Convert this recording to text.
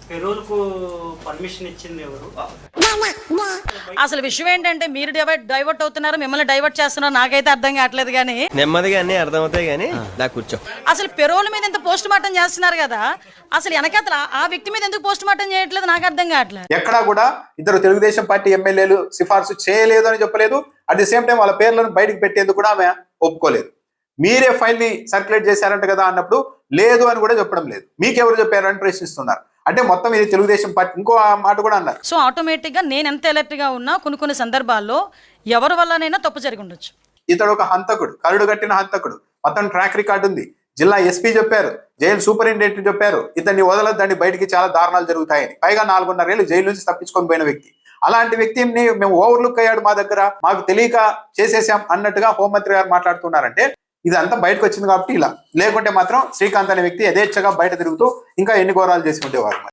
పెరోల్కు permission ఇచ్చింది ఎవరు? అసలు విషయం ఏంటంటే మీరు డైవర్ట్ అవుతున్నారు, మిమ్మల్ని డైవర్ట్ చేస్తున్నారు, నాకైతే అర్థం కావట్లేదు. కానీ నెమ్మదిగా అన్ని అర్థమవుతాయి కానీ దా కూర్చో. అసలు పెరోల్ మీద ఎంత పోస్ట్ మార్టం చేస్తున్నారు కదా, అసలు వెనకాతల ఆ వ్యక్తి మీద ఎందుకు పోస్ట్ మార్టం చేయట్లేదు నాకు అర్థం కావట్లేదు. ఎక్కడా కూడా ఇద్దరు తెలుగుదేశం పార్టీ ఎమ్మెల్యేలు సిఫార్సు చేయలేదు అని చెప్పలేదు. అట్ ది సేమ్ టైం వాళ్ళ పేర్లను బయటకు పెట్టేందుకు కూడా ఆమె ఒప్పుకోలేదు. మీరే ఫైల్ ని సర్క్యులేట్ చేశారంట కదా అన్నప్పుడు లేదు అని కూడా చెప్పడం లేదు. మీకెవరు చెప్పారు అని ప్రశ్నిస్తున్నారు. అంటే మొత్తం ఇది తెలుగుదేశం పార్టీ. ఇంకో మాట కూడా అన్నారు. సో ఆటోమేటిక్ గా నేను ఎంత అలర్ట్ గా ఉన్నా కొన్ని సందర్భాల్లో ఎవరి వల్లనైనా తప్పు జరిగి ఉండొచ్చు. ఇతడు ఒక హంతకుడు, కరుడు కట్టిన హంతకుడు. మొత్తం ట్రాక్ రికార్డు ఉంది. జిల్లా ఎస్పీ చెప్పారు, జైలు సూపరింటెండెంట్ చెప్పారు, ఇతన్ని వదలద్దండి, బయటికి చాలా దారుణాలు జరుగుతాయని. పైగా 4.5 ఏళ్ళు జైలు నుంచి తప్పించుకొని పోయిన వ్యక్తి. అలాంటి వ్యక్తిని మేము ఓవర్లుక్ అయ్యాడు మా దగ్గర, మాకు తెలియక చేసేసాం అన్నట్టుగా హోంమంత్రి గారు మాట్లాడుతున్నారంటే ఇదంతా బయటకు వచ్చింది కాబట్టి ఇలా. లేకుంటే మాత్రం శ్రీకాంత్ అనే వ్యక్తి యథేచ్ఛగా బయట తిరుగుతూ ఇంకా ఎన్ని ఘోరాలు చేసి ఉండేవారు.